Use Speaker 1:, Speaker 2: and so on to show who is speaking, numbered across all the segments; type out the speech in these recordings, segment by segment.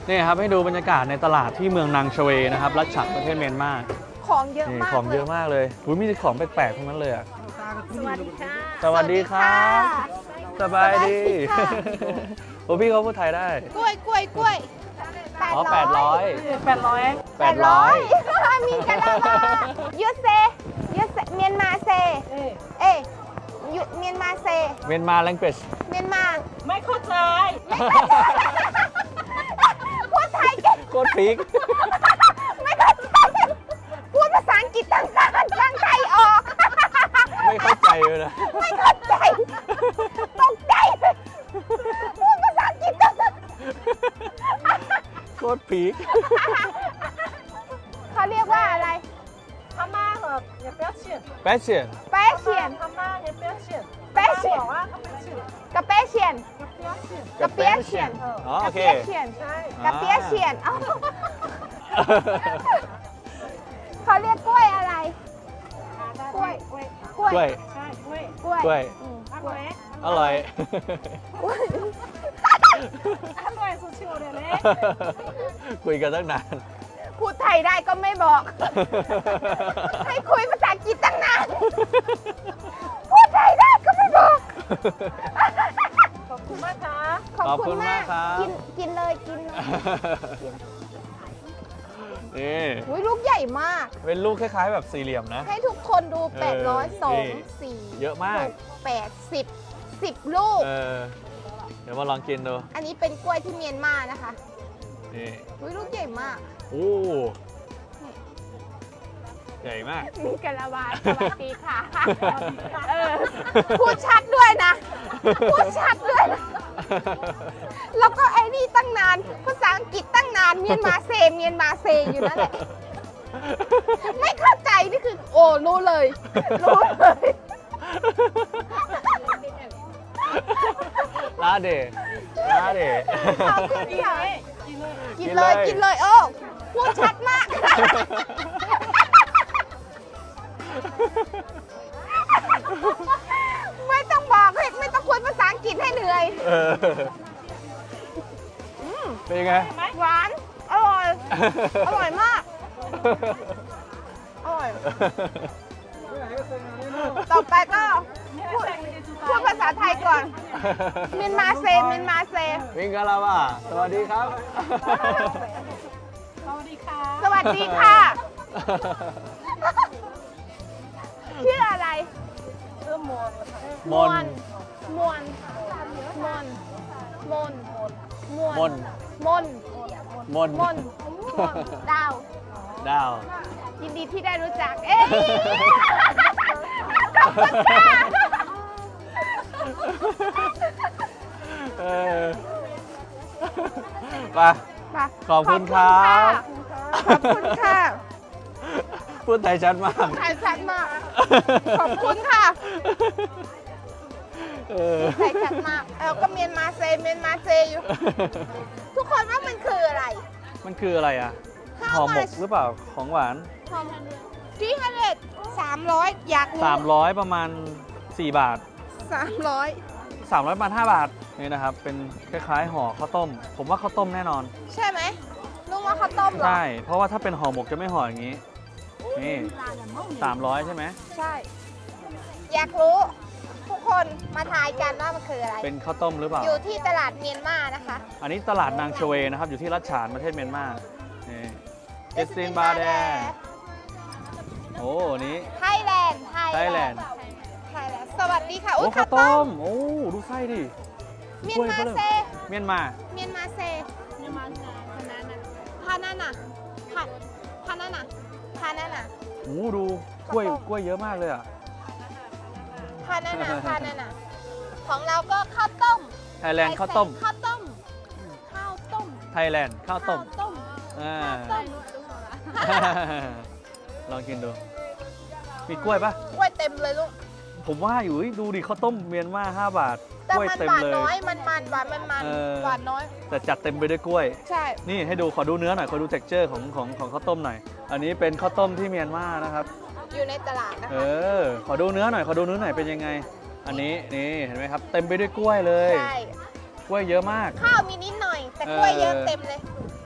Speaker 1: นี่ครับให้ดูบรรยากาศในตลาดที่เมืองนางชเวนะครับรัชฉานประเทศเมียนมา
Speaker 2: ของเยอะ
Speaker 1: นี่
Speaker 2: มาก
Speaker 1: ของเยอะมากเลยอุ๊ยมีแต่ของแปลกๆทั้งนั้นเลยอ่ะ
Speaker 2: สวัสดีค่ะ
Speaker 1: สวัสดีครับสบายดี
Speaker 2: สวัสดีค่ะ
Speaker 1: โอ้พี่เขาพูดไทยได้
Speaker 2: กล้วยกล้วยกล้วย
Speaker 1: อ๋อ800
Speaker 2: มีกันแล้วเหรอยูเซเมียนมาเซเอยเมียนมาเซ
Speaker 1: เมียนมา language
Speaker 2: เมียนมา
Speaker 3: ไม่เข้าใจ
Speaker 2: พูดไทยเก่ง
Speaker 1: โคตรพีก
Speaker 2: ไม่เข้าใจพูดภาษาอังกฤษต่างๆตั้งใจออก
Speaker 1: ไม่เข้าใจเลยนะ
Speaker 2: ไม่เข้าใจตกใจพูดภาษาอังกฤษต่าง
Speaker 1: โคตรพีก
Speaker 2: ๆเขาเรียกว่าอะไร
Speaker 3: พม่าเหรออย่าเปรี้ยวเฉียน
Speaker 1: แปชเชียน
Speaker 2: แปะเฉียน
Speaker 3: พม่าอย่าเปรี้ยวเฉียน
Speaker 2: แปะเฉียน
Speaker 3: บอกว่าเขาเป็นเฉียน
Speaker 2: กระเป๊ะเฉียน
Speaker 3: กับเปรี้ยวเฉียน
Speaker 2: กระเปี๊ยะเฉียน
Speaker 1: อ๋อโอเค
Speaker 3: ใช่
Speaker 2: กระเปี๊ยะเฉียนเอ้าเขาเรียกกล้วยอะไร กล้วย
Speaker 3: กล้วย
Speaker 2: กล้วย
Speaker 1: กล้วย
Speaker 3: ใช่กล้วย
Speaker 2: กล้วย
Speaker 1: กล้วย
Speaker 2: อืม
Speaker 3: อก ร่อย
Speaker 1: อร่อย
Speaker 2: กล้วย
Speaker 3: อร่อยสุดชิวเลยเลย
Speaker 1: คุยกันตั้งนาน
Speaker 2: พูดไทยได้ก็ไม่บอก ให้คุยภาษาอังกฤษตั้งนาน พูดไทยได้ก็ไม่บอก
Speaker 3: ขอบคุณมากค่ะ
Speaker 2: ขอบคุณมาก
Speaker 1: ขอบคุณมากครับ
Speaker 2: กินเลยกินเลย
Speaker 1: นี่
Speaker 2: อุ้ยลูกใหญ่มาก
Speaker 1: เป็นลูกคล้ายๆแบบสี่เหลี่ยมนะ
Speaker 2: ให้ทุกคนดู
Speaker 1: เออ
Speaker 2: 800
Speaker 1: นี่
Speaker 2: 2 4
Speaker 1: เยอะมาก
Speaker 2: 6 8 10ลูก
Speaker 1: เดี๋ยวมาลองกินดู
Speaker 2: อันนี้เป็นกล้วยที่เมียนมานะคะ
Speaker 1: นี่
Speaker 2: อุ้ยลูกใหญ่มาก
Speaker 1: โอ้ใหญ่มาก
Speaker 2: มีกะละวาสวัสดีค่ะเออพูดชัดด้วยนะ พูดชัดด้วยนะ แล้วก็ไอ้นี่ตั้งนาน ภาษาอังกฤษตั้งนาน เมียนมาเซอยู่นั่นแหละ ไม่เข้าใจนี่คือ โอ้รู้เลย รู้เลย
Speaker 1: ลาเดลาเด
Speaker 2: ขอบคุณค่ะ
Speaker 3: กินเลย
Speaker 2: กินเลยโอ้พูดชัดมาก ไม่ต้องบอกให้ไม่ต้องคุยภาษาอังกฤษให้เหนื่อย
Speaker 1: เออเป็นยังไง
Speaker 2: หวาน อร่อย อร่อยมาก อร่อย ต่อไปก็พูดภาษาไทยก่อน เมียนมาเซ
Speaker 1: มิงกะลาว่าสวัสดีครับ
Speaker 3: สวัสดีค่ะ
Speaker 2: สวัสดีค่ะ ชื่ออะไร
Speaker 3: ชื่อมนค่ะ
Speaker 1: มน
Speaker 2: มวนมนมนมวน
Speaker 1: มน
Speaker 2: มน
Speaker 1: มน
Speaker 2: มนดาว
Speaker 1: ดาว
Speaker 2: ยินดีที่ได้รู้จัก เอ้ยขอบคุณค่ะ
Speaker 1: เออไป
Speaker 2: มา
Speaker 1: ขอบคุณครับ
Speaker 2: ขอบคุณค่ะ
Speaker 1: พูดไทยชัดมาก
Speaker 2: ถ่ายชัดมาก ขอบคุณค่ะ
Speaker 1: เออ
Speaker 2: ถ่ายชัดมากก็เมียนมาเซอยู่ ทุกคนว่ามันคืออะไร
Speaker 1: มันคืออะไรอ่ะ
Speaker 2: How
Speaker 1: ห่อหมก
Speaker 2: much?
Speaker 1: หรือเปล่าของหวาน
Speaker 2: 300 อยากรู้
Speaker 1: 300 ประมาณ 4 บาท
Speaker 2: 300
Speaker 1: 300 บาท 5 บาท นี่นะครับ เป็นคล้ายๆห่อข้าวต้ม ผมว่าข้าวต้มแน่นอน
Speaker 2: ใช่ไหมลุงว่าข้าวต้มเหรอ
Speaker 1: ใช่ เพราะว่าถ้าเป็นห่อหมกจะไม่ห่ออย่างนี้ นี่ 300 ใช่ไหม
Speaker 2: ใช่ อยากรู้ ทุกคนมาทายกันว่ามันคืออะไร
Speaker 1: เป็นข้าวต้มหรือเปล่า
Speaker 2: อยู่ที่ตลาดเมียนมานะคะ
Speaker 1: อันนี้ตลาดนางชเวนะครับ อยู่ที่รัชฉานประเทศเมียนมา นี่เอสตินบาแดโอ้นี้
Speaker 2: ไทยแลนด์
Speaker 1: ไทยแลนด์
Speaker 2: สวัสดีค่ะ
Speaker 1: โอ้
Speaker 2: อุ้ย
Speaker 1: ข้า
Speaker 2: ข้าว ว
Speaker 1: ต้
Speaker 2: ต้
Speaker 1: ม
Speaker 2: ม
Speaker 1: โอ้ ดูไส้ดิ
Speaker 2: เมียนมาเซ
Speaker 1: เมียนมา
Speaker 2: เมียนมาเซพานาน่ะพานาน่ะพานาน่ะ
Speaker 1: โอ้ดูกล้วยเยอะมากเลยอ่ะ
Speaker 2: พานาน่ะของเราก็ข้าวต้ม
Speaker 1: ไทยแลนด์ข้าวต้ม
Speaker 2: ข้าวต้ม ข้าวต้ม
Speaker 1: ไทยแลนด์ข้าวต้ม
Speaker 2: ต้ม
Speaker 1: อ่า
Speaker 2: ต้ม
Speaker 1: ลองกินดู มีกล้วยปะ
Speaker 2: กล้วยเต็มเลยลูก
Speaker 1: ผมว่าอยู่เฮ้ยดูดิข้าวต้มเมียนมา5 บาท
Speaker 2: แต่
Speaker 1: กล้วย
Speaker 2: มัน
Speaker 1: เต็ม
Speaker 2: หวาน
Speaker 1: เลย
Speaker 2: น้อยมันหวานมัน
Speaker 1: เออ
Speaker 2: หวานน้อย
Speaker 1: แต่จัดเต็มไปด้วยกล้วย
Speaker 2: ใช่
Speaker 1: นี่ให้ดูขอดูเนื้อหน่อยขอดู texture ของข้าวต้มหน่อย อันนี้เป็นข้าวต้มที่เมียนมานะครับ
Speaker 2: อยู่ในตลาดนะ
Speaker 1: เอ
Speaker 2: คะ
Speaker 1: อ ขอดูเนื้อหน่อยเป็นยังไง อันนี้นี่เห็นไหมครับ เต็มไปด้วยกล้วยเลย
Speaker 2: ใช่
Speaker 1: กล้วยเยอะมาก
Speaker 2: ข้าวมีนิดหน่อย แต่กล้วยเยอะเต็มเลย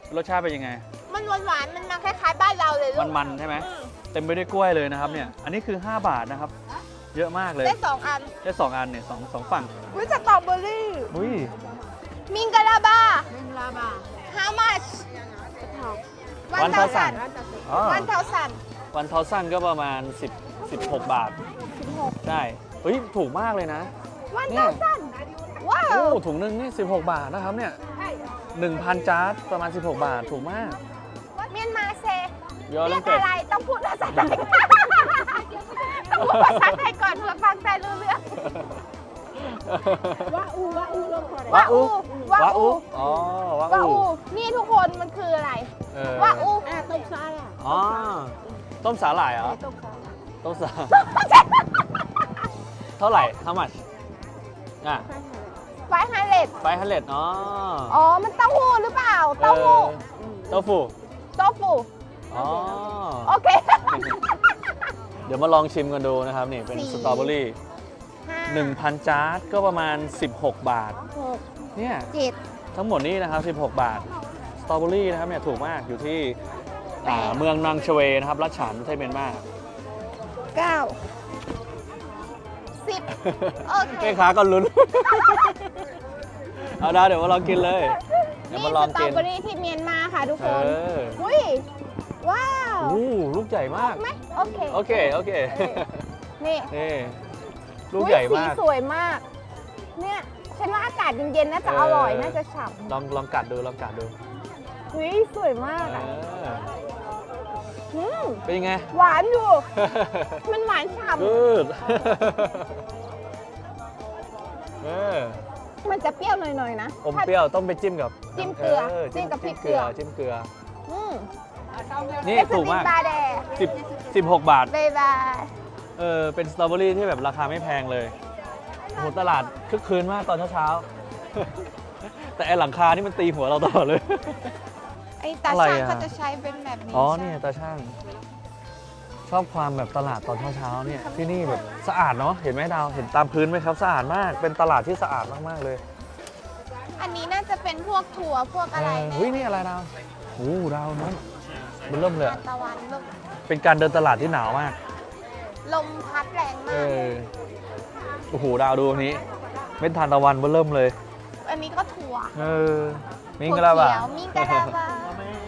Speaker 1: รสชาติเป็นยังไง
Speaker 2: มันหวานๆมันมาคล้ายๆบ้านเราเลยลูก
Speaker 1: มันๆใช่ไหม
Speaker 2: อืม
Speaker 1: เต็มไปด้วยกล้วยเลยนะครับเนี่ย อันนี้คือ 5 บาทนะครับ เยอะมากเลย
Speaker 2: ได้2 อัน
Speaker 1: ได้2 อันเนี่ยสองฝั่ง
Speaker 2: วิสตรอเบอรี่
Speaker 1: อุ้ย
Speaker 2: มิงกะลาบา
Speaker 3: มิงลาบา
Speaker 2: how much
Speaker 1: วันเท่าสั่น อ๋อ
Speaker 2: วันเท่าสัน
Speaker 1: วันเทาสั้นก็ประมาณ16 บาท
Speaker 2: 16
Speaker 1: ใช่เฮ้ย ถูกมากเลยนะ
Speaker 2: วันเท่าสันว้าว
Speaker 1: โอ้ ถุงนึงนี่16 บาทนะครับเนี่ย 1,000 จาร์ดประมาณ 16 บาท ถูกมาก
Speaker 2: เมียนมาเซ
Speaker 1: ยอ
Speaker 2: เรี
Speaker 1: ลั
Speaker 2: ย
Speaker 1: ง
Speaker 2: ก
Speaker 1: เก็ต
Speaker 2: อะไรต้องพูดภาษาไทยต้องพูดภาษาไทยก่อนเพื่อฟังใจรู้เรื่อง
Speaker 3: วะอูลงก่อน
Speaker 2: วะอู
Speaker 1: วะอูอ๋อวะ
Speaker 2: วะ
Speaker 1: อู
Speaker 2: อูนี่ทุกคนมันคืออะไร
Speaker 1: เออ
Speaker 2: วะอู
Speaker 3: ต้มซาล่ะ
Speaker 1: อ๋อ ต้มสาหร่ายเหรอ
Speaker 3: ต้มซา
Speaker 1: ต้มสาเท่าไหร่ how much อ่ะ
Speaker 2: ไฟฮันเลด
Speaker 1: 500อ๋อ
Speaker 2: อ๋อ มันเต้าหู้หรือเปล่า เต้าหู้
Speaker 1: เต้าหู้
Speaker 2: โต้ฟู
Speaker 1: อ๋อ
Speaker 2: โอเค
Speaker 1: เดี๋ยวมาลองชิมกันดูนะครับ นี่เป็น
Speaker 2: สี่
Speaker 1: สตรอเบอรี่ 1,000 จาร์ดก็ประมาณ 16 บาท
Speaker 2: 6
Speaker 1: เนี่ย
Speaker 2: 7
Speaker 1: ทั้งหมดนี้นะครับ 16 บาท สตรอเบอรี่นะครับเนี่ยถูกมากอยู่ที่
Speaker 2: แปด
Speaker 1: เมืองนางชเวนะครับรัชฉานประเทศเมียนมา
Speaker 2: 9 10 โอเค
Speaker 1: แม่ค้าก็ลุ้น เอาได้เดี๋ยวมาลองกินเลย เดี๋ยว
Speaker 2: นี่
Speaker 1: มา
Speaker 2: ส
Speaker 1: ลอง
Speaker 2: ตรอ
Speaker 1: กิน
Speaker 2: เบอรี่ที่เมียนมาค่ะทุก
Speaker 1: เอ
Speaker 2: คน
Speaker 1: อ
Speaker 2: อุ้ย ว้าว
Speaker 1: โอ้ลูกใหญ่มาก
Speaker 2: ไหมโอเค
Speaker 1: โอเค โอเค
Speaker 2: นี่
Speaker 1: นี่ลูกใหญ่มาก
Speaker 2: สีสวยมาก เนี่ยฉันว่าอากาศเย็นๆน่าจะอร่อย น่าจะฉ่
Speaker 1: ลองกัดดูลองกัดดู
Speaker 2: ำอุ้ยสวยมาก
Speaker 1: เอ
Speaker 2: อ่ะ
Speaker 1: อ
Speaker 2: อืม
Speaker 1: เป็นยังไง
Speaker 2: หวานอยู่ มันหวานฉ่
Speaker 1: good เออ
Speaker 2: ำมันจะเปรี้ยวหน่อยๆนะ
Speaker 1: อมเปรี้ยวต้องไปจิ้มกับ
Speaker 2: จิ้มเกลือจิ้มกับพริกเกลือ
Speaker 1: จิ้มเกลือ
Speaker 2: อืม
Speaker 1: นี่ถูกมาก
Speaker 2: บาแด
Speaker 1: 16 บาท
Speaker 2: บายบาย
Speaker 1: เป็นสตรอเบอรี่ที่แบบราคาไม่แพงเลยโอ้โหตลาดคึกคืนมากตอนเช้าๆ แต่ไอหลังคานี่มันตีหัวเราตลอดเลย
Speaker 2: ไอ้ตา
Speaker 1: อะไร
Speaker 2: ช่าง
Speaker 1: อ่ะ
Speaker 2: เขาจะใช้เป็นแบบนี้
Speaker 1: อ๋อ
Speaker 2: ใช่
Speaker 1: นี่ตาช่าง ชอบความแบบตลาดตอนเช้าๆเนี่ยที่นี่แบบสะอาดเนาะเห็นไหมดาวเห็นตามพื้นไหมครับสะอาดมากเป็นตลาดที่สะอาดมากๆเลย
Speaker 2: อันนี้น่าจะเป็นพวกถั่วพวกอะไร
Speaker 1: เฮ้ยนี่อะไรดาวโอ้ดาวนั้นมันเริ่มเลย
Speaker 2: ทานตะวันลม
Speaker 1: เป็นการเดินตลาดที่หนาวมาก
Speaker 2: ลมพัดแรง
Speaker 1: เอ
Speaker 2: มาก
Speaker 1: อโอ้โหดาวดูอันนี้เม็ดทานตะวันมันเริ่มเลย
Speaker 2: อันนี้ก็ถั่ว
Speaker 1: เออมิง
Speaker 2: ถั่ว
Speaker 1: กะลาบะ
Speaker 2: เขียวมิงกะลาบา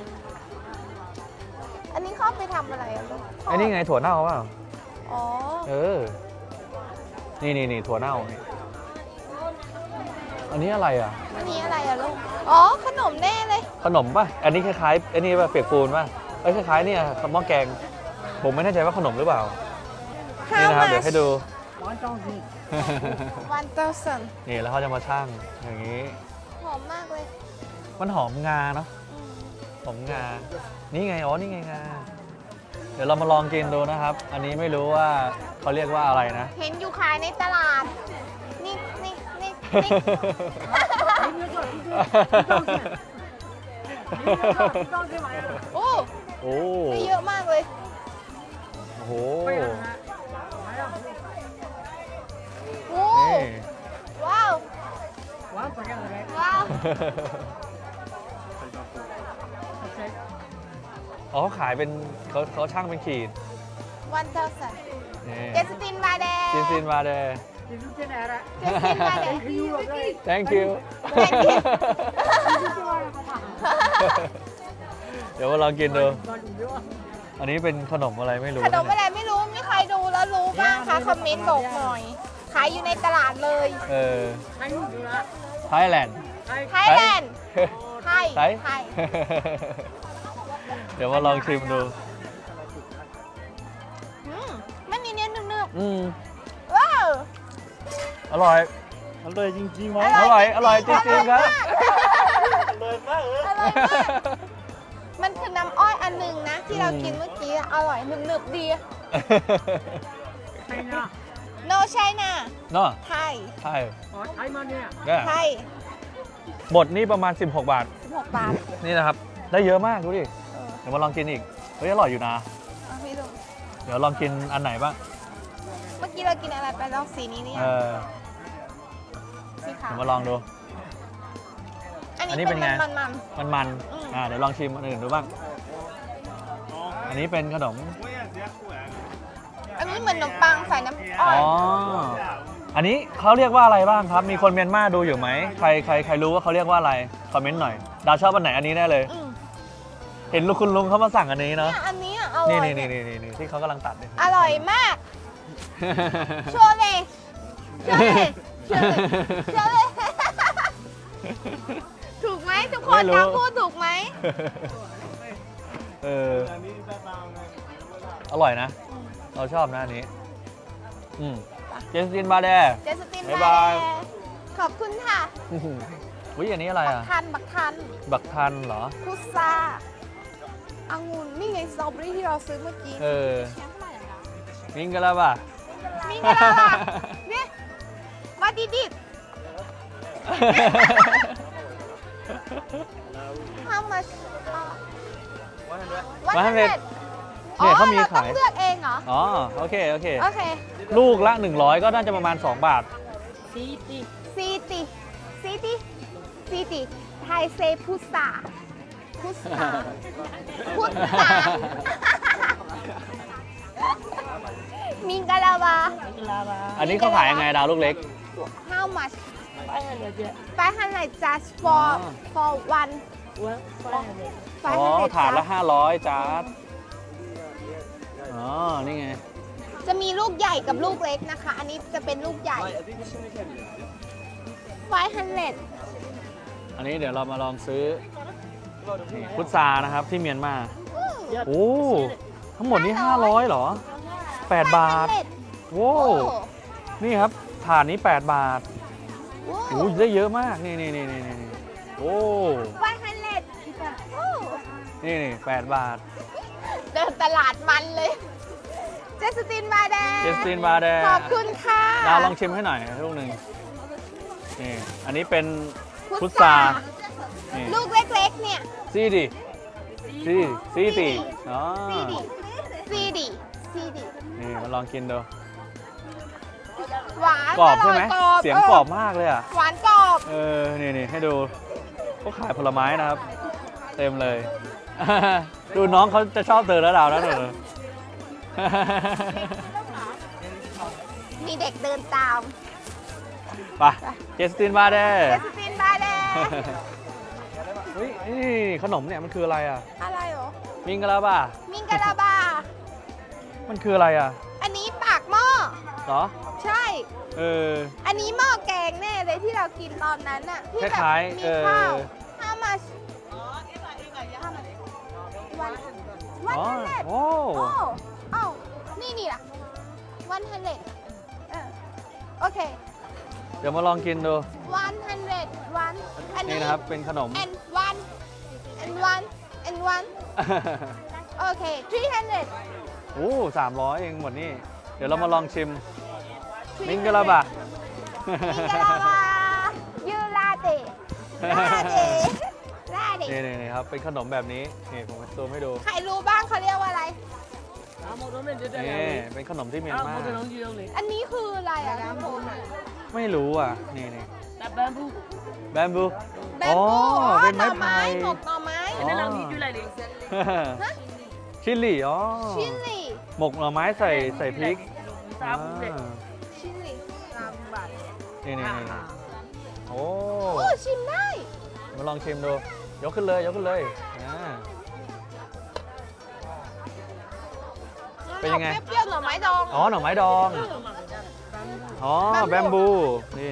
Speaker 2: อันนี้เขาเอาไปทำอะไรอะลูก
Speaker 1: ไอ้นี่ไงถั่วเน่าเปล่า
Speaker 2: อ๋อ
Speaker 1: เออ นี่ถั่วเน่านี่อันนี้อะไรอ่ะ
Speaker 2: อันนี้อะไรอะลูก อ๋อ ขนมแน่เลย
Speaker 1: ขนมป่ะ อันนี้คล้ายๆอันนี้ป่ะเปียกปูนป่ะ เอ้ยคล้ายๆเนี่ยหม้อแกง ผมไม่แน่ใจว่าขนมหรือเปล่า นี่นะครับ เดี๋ยวให้ดู
Speaker 2: 1,000
Speaker 1: นี่แล้วเขาจะมาชั่งอย่างนี้
Speaker 2: หอมมากเลย
Speaker 1: มันหอมงาเนาะ
Speaker 2: อืม
Speaker 1: หอมงา นี่ไง อ๋อ นี่ไงงา เดี๋ยวเรามาลองกินดูนะครับ อันนี้ไม่รู้ว่าเขาเรียกว่าอะไรนะ
Speaker 2: เห็นอยู่ขายในตลาด นี่ โอ้
Speaker 1: โอ้
Speaker 2: ได้เยอะมากเลย
Speaker 1: โอ้โห
Speaker 2: โอ้
Speaker 1: นี่
Speaker 2: ว้าว ว้าว
Speaker 1: อ๋อเขาขายเป็นเขาช่างเป็นขีด
Speaker 2: 1,000
Speaker 1: นี่
Speaker 2: เจสตินบาแด
Speaker 1: จินซินมาเด
Speaker 2: เจสตินบาแด
Speaker 1: thank you เดี๋ยวมาลองกินดู อันนี้เป็นขนมอะไรไม่รู้
Speaker 2: ขนมอะไรไม่รู้ มีใครดูแล้วรู้บ้างคะ คอมเมนต์บอกหน่อย ขายอยู่ในตลาดเลย
Speaker 1: เออไทยแลนด์
Speaker 2: ไทยแลนด์ ไทย
Speaker 1: ไทย
Speaker 2: ไทย
Speaker 1: เดี๋ยวมาลองชิมดู
Speaker 2: มันมีเนื้อนึบ
Speaker 1: อืม
Speaker 2: ๆว้าว
Speaker 1: อร่อย
Speaker 4: อร่อยจริงๆไหม
Speaker 1: อร่อยจริงๆครับ
Speaker 4: อร่อยมาก
Speaker 2: อร่อยมาก มันคือน้ำอ้อยอันหนึงนะ ที่เรากินเมื่อกี้อร่อยหนึบๆดี no China
Speaker 1: เนาะ
Speaker 2: ไทย
Speaker 1: ใช่
Speaker 3: ไทยมาเนี่ย
Speaker 1: เนี่ย
Speaker 2: ไทย
Speaker 1: หมดนี่ประมาณ 16 บาท
Speaker 2: 16 บาท
Speaker 1: นี่นะครับ ได้เยอะมากดูดิ
Speaker 2: เออ
Speaker 1: เดี๋ยวมาลองกินอีก เฮ้ยอร่อยอยู่นะ
Speaker 2: เอาพี่ดู
Speaker 1: เดี๋ยวลองกินอันไหนบ้าง
Speaker 2: เมื่อกี้เรากินอะไรไปลองสีนี้นี่
Speaker 1: เออ
Speaker 2: สีขา
Speaker 1: เดี๋
Speaker 2: ว
Speaker 1: ยวมาลองดู
Speaker 2: อัน
Speaker 1: อันนี้เป็นไง
Speaker 2: มัน
Speaker 1: มันเดี๋ยวลองชิมอันอื่นดูบ้าง อันนี้เป็นขนม
Speaker 2: อันนี้เหมือนขนมปังใส่น้ำอ้
Speaker 1: อ๋
Speaker 2: อ
Speaker 1: อ อันนี้เขาเรียกว่าอะไรบ้างครับ มีคนเมียนมาดูอยู่ไหม ใครรู้ว่าเขาเรียกว่าอะไร คอมเมนต์หน่อย ดาวชอบอันไหนอันนี้แน่เลย
Speaker 2: ม
Speaker 1: เห็นคุณลุงเขามาสั่งอันนี้เนาะ
Speaker 2: เนี่ยอันนี้อะอร่อย
Speaker 1: นี่ที่เขากำลังตัดเนี่ย
Speaker 2: อร่อยมากโชว์เลยโชว์เลยถูกไหมทุกคน
Speaker 1: ไม่รู้
Speaker 2: ตามพูดถูกไหม
Speaker 1: เออ อร่อยนะ เราชอบนะอันนี้ เจสตินบาแด
Speaker 2: เจสติน
Speaker 1: บ๊าย
Speaker 2: บา
Speaker 1: บาย
Speaker 2: แดขอบคุณค่ะ
Speaker 1: อุ้ยอันนี้อะไร
Speaker 2: บัก
Speaker 1: อ่ะ
Speaker 2: ทัน
Speaker 1: บักทันเหรอ
Speaker 2: พุทราองุ่นนี่ไงสตรอเบอรี่ที่เราซื้อเมื่อกี้
Speaker 1: เออมิงกันแล้วป่ะ
Speaker 2: มีกันแล้วอ่ะเนี่ยมาดิดิ How much
Speaker 1: 100 เนี่ยเขามี
Speaker 2: เราต้อ
Speaker 1: ขาง ย
Speaker 2: เลือกเองเหรอ
Speaker 1: อ๋อ โอเค
Speaker 2: โอเค
Speaker 1: ลูกละ 100 ก็น่าจะประมาณ 2 บาท
Speaker 2: ซีติไทยเซพุทราพุทรามิงกะลาวา
Speaker 1: อันนี้เขาขายยังไงดาวลูกเล็ก
Speaker 2: How much 500 just for one
Speaker 1: อ๋อ
Speaker 2: 500
Speaker 1: ถาดละ
Speaker 2: just
Speaker 1: 500จาร์ดอ๋อ นี่ไง
Speaker 2: จะมีลูกใหญ่กับลูกเล็กนะคะ อันนี้จะเป็นลูกใหญ่ 500
Speaker 1: อันนี้เดี๋ยวเรามาลองซื้อนี่พุทรานะครับที่เมียนมา โอ้ ทั้งหมดนี้ 500เหรอ 8 บาท โว้
Speaker 2: โอ้
Speaker 1: นี่ครับ ถาดนี้ 8 บาท
Speaker 2: โอ้
Speaker 1: โอ้ยได้เยอะมาก นี่โอ้
Speaker 2: 500โอ้
Speaker 1: นี่8 บาท
Speaker 2: เดินตลาดมันเลย เจสตินบาแดง
Speaker 1: เจสตินบาแดง
Speaker 2: ขอบคุณค่ะ
Speaker 1: ดาวลองชิมให้หน่อยลูกหนึ่งนี่ อันนี้เป็นพุทรานี่
Speaker 2: ลูกเล็กๆเนี่ย
Speaker 1: ซีดีอ๋อ
Speaker 2: ซีดี
Speaker 1: นี่มาลองกินดู
Speaker 2: หวาน
Speaker 1: กรอบใช่ไหม
Speaker 2: กรอบ
Speaker 1: เสียงกรอบมากเลยอ่ะ
Speaker 2: หวานกรอบ
Speaker 1: นี่ให้ดูเขาขายผลไม้นะครับ เต็มเลย ดูน้องเขาจะชอบเธอแล้วดาวนะเธอ
Speaker 2: มีเด็กเดินตาม
Speaker 1: ไปเจสตินบาแด
Speaker 2: เจสตินบาแดง
Speaker 1: เฮ้ยนี่ขนมเนี่ยมันคืออะไรอ่ะ
Speaker 2: อะไรเหรอ
Speaker 1: มิงกะลาบ้า
Speaker 2: มิงกะลาบา
Speaker 1: มันคืออะไรอ่ะ
Speaker 2: อันนี้ปากหม้อ
Speaker 1: เหรอ
Speaker 2: ใช่
Speaker 1: เออ
Speaker 2: อันนี้หม้อแกงแน่เลยที่เรากินตอนนั้นน่ะที่แบบ
Speaker 1: คล้ายๆ
Speaker 2: มี
Speaker 1: เออ
Speaker 2: ข้าวHow much วัน
Speaker 1: อ๋อ
Speaker 2: 100
Speaker 1: โอ้
Speaker 2: โอ้เอ้านี่ล่ะ100โอเค
Speaker 1: เดี๋ยวมาลองกินดู
Speaker 2: 100วันอัน
Speaker 1: นี่
Speaker 2: นี้
Speaker 1: นะครับเป็นขนม
Speaker 2: and one โอเค300
Speaker 1: โอ้300เองหมดนี่ เดี๋ยวเรามาลองชิม มิงกะลาบะ
Speaker 2: มิงกะลาบายูลาเต้ลาเต้
Speaker 1: นี่ครับ เป็นขนมแบบนี้ นี่ผมจะซูมให้ดู
Speaker 2: ใครรู้บ้างเขาเรียกว่าอะไร
Speaker 1: นี่เป็นขนมที่เมียนมา
Speaker 2: อันนี้คืออะไรอ่ะน้ำโบน
Speaker 1: ไม่รู้อ่ะ นี่แบมบู
Speaker 2: แบมบู
Speaker 1: อ๋อเป็น
Speaker 2: หน่
Speaker 1: ไม้
Speaker 2: อไม้
Speaker 1: ไผ่
Speaker 2: หมกหน่อไม้
Speaker 1: อ๋อชิลลี่ อ๋อ
Speaker 2: ชิลลี่
Speaker 1: หมกหน่อไม้ใส่พริกอ่า
Speaker 2: ชิลลี่
Speaker 1: นี่โอ้
Speaker 2: โอ้ชิมได้
Speaker 1: มาลองชิมดู ยกขึ้นเลยอ่า เป็นยังไง
Speaker 2: เปรี้ยวๆหน่อไม้ดอง
Speaker 1: อ๋อ หน่อไม้ดอง อ๋อ แบมบู นี่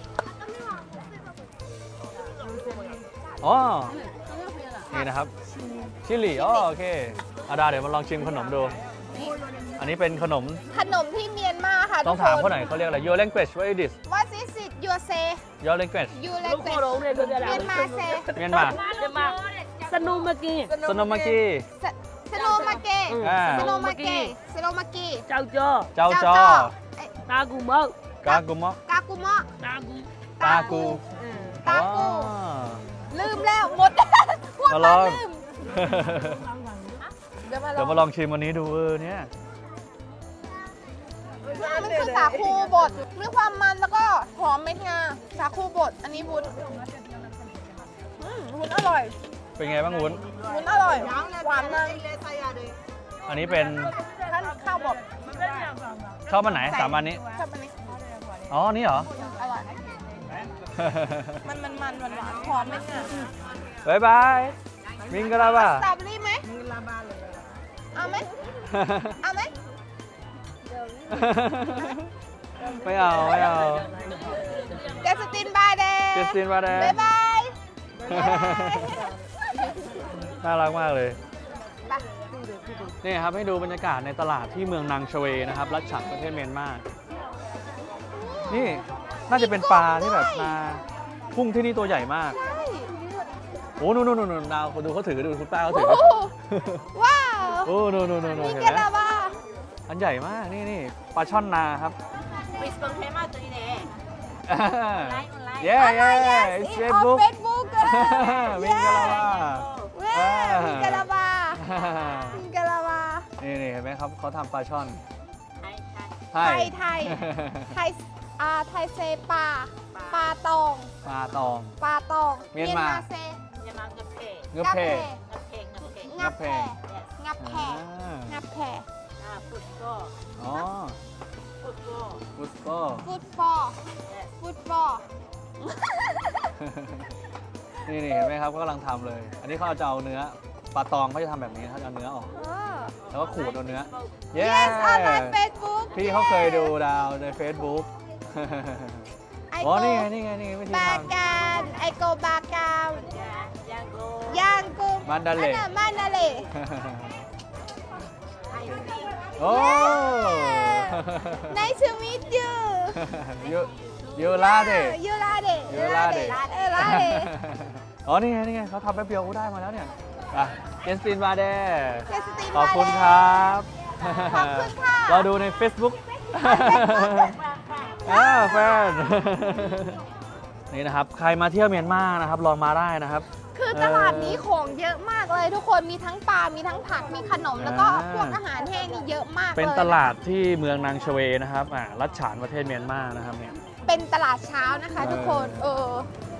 Speaker 1: อ๋อ นี่นะครับ ชิลลี่ อ๋อ โอเคอาดาเดี๋ยวมาลองชิมขนมดู อันนี้เป็นขนม
Speaker 2: ขนมที่เมียนมาค่ะ
Speaker 1: ต้องถามเขาหน่อยเขาเรียกอะไร Your language what is this
Speaker 2: What is it you say
Speaker 1: Your language
Speaker 2: you like it เมียนมา say
Speaker 1: เมียนมา
Speaker 3: สนุมากี
Speaker 1: สโนมากิ
Speaker 2: สโนมาเกะ
Speaker 1: อ่า
Speaker 2: สโนมาเกะสโนมาเกะ
Speaker 3: เจ้าจ้อ
Speaker 1: เจ้าจอ
Speaker 3: ตากูเมาก
Speaker 1: ากุมะ
Speaker 2: กากุมะ
Speaker 3: ตากู
Speaker 1: ตากู
Speaker 2: ตากู
Speaker 1: อ๋อ
Speaker 2: ลืมแล้วหมด พูด
Speaker 1: มาล
Speaker 2: มา
Speaker 1: อง
Speaker 2: ลืมเดี๋ยว
Speaker 1: เดี๋ยวมาลองชิมวันนี้ดูเนี่ย
Speaker 2: มันคือสาคูบดมีความมันแล้วก็หอมเม็ดงาสาคูบดอันนี้บุญอร่อย
Speaker 1: เป็นไงบ้างวุ้น
Speaker 2: วุ้นอร่อย หวานมัน
Speaker 1: อันนี้เป็น
Speaker 2: ข้าวบด
Speaker 1: ชอบอันไหนสามอันนี้
Speaker 2: ชอบอันนี้
Speaker 1: อ๋ออันนี่เหรอ
Speaker 2: อร่อย มันหวานหอมไหมเนี่ย
Speaker 1: บายบายมิงกะลาบ้า
Speaker 2: สตรอเบอรี่ไหมเอาไหมเอาไหม
Speaker 1: ไม่เอาไม่เอา
Speaker 2: เจสตินบายเดย์
Speaker 1: เจสตินมาแดง
Speaker 2: บ๊ายบาย
Speaker 1: น่ารักมากเลย
Speaker 2: ไป
Speaker 1: นี่ครับให้ดูบรรยากาศในตลาดที่เมืองนางชเวนะครับรัชฉานประเทศเมียนมา นี่น่าจะเป็นปลาที่แบบนากุ้งที่นี่ตัวใหญ่มาก
Speaker 2: ใช่
Speaker 1: โอ้นู่นดาวดูเขาถือดูคุณป้าเขาถือ
Speaker 2: โอ้โหว้าว
Speaker 1: โอ้นู่น
Speaker 2: มี
Speaker 1: เห็น
Speaker 2: เก
Speaker 1: ไหม
Speaker 2: ลาบา
Speaker 1: อันใหญ่มากนี่ปลาช่อนนาครับ เย้
Speaker 2: Oh my
Speaker 1: เย้
Speaker 2: yes,
Speaker 1: it's
Speaker 2: it's on
Speaker 1: Facebook
Speaker 2: Facebook
Speaker 1: มิงกะลาบ้า
Speaker 2: เว้ยมีเกลาบามีเกลาบา
Speaker 1: นี่เห็นไหมครับเขาทำปลาช่อน
Speaker 2: ไทยไทยเซปลาตอง
Speaker 1: ปลาตอง
Speaker 2: ปลาตอง
Speaker 1: เมียนมา
Speaker 2: เซ
Speaker 1: เงือบเพ
Speaker 2: งับแพ
Speaker 1: งับแพ
Speaker 2: งับแพ
Speaker 1: อ่า
Speaker 2: งับแพ
Speaker 1: อ๋อฟุตโก้
Speaker 2: ฟุตบอล
Speaker 1: นี่เห็นไหมครับก็กำลังทำเลย อันนี้เขาจะเอาเนื้อปลาตองเขาจะทำแบบนี้เขาจะเอาเนื้อออก แล้วก็ขูดเอาเนื้อ
Speaker 2: Yes on my Facebook
Speaker 1: พี่เขาเคยดูดาวใน Facebook
Speaker 2: ไอ
Speaker 1: อ๋อ
Speaker 2: โก
Speaker 1: นี่ไงวิธี
Speaker 2: บา
Speaker 1: ท
Speaker 2: การไอโกบาการยางกุ
Speaker 1: มันดาเล่
Speaker 2: มันดาเล่
Speaker 1: ำโอ้
Speaker 2: Nice to meet you
Speaker 1: ยูลาเด
Speaker 2: ยูลาเด
Speaker 1: ยูลาเด
Speaker 2: ลาเด
Speaker 1: อ๋อ นี่ไงเขาทำแป๊บเดียวก็ได้มาแล้วเนี่ยอ่ะเจสตินมาเด
Speaker 2: เจสติน
Speaker 1: ขอบคุณครับ
Speaker 2: ขอบคุณค่ะ
Speaker 1: เราดูใน Facebook แฟน นี่นะครับ ใครมาเที่ยวเมียนมานะครับ ลองมาได้นะครับ
Speaker 2: คือตลาดนี้ของเยอะมากเลยทุกคน มีทั้งปลา มีทั้งผัก มีขนม แล้วก็พวกอาหารแห้งนี่เยอะมากเลย
Speaker 1: เป็นตลาดที่เมืองนางชเวนะครับรัชฉานประเทศเมียนมานะครับเนี่ย
Speaker 2: เป็นตลาดเช้านะคะทุกคน
Speaker 1: เ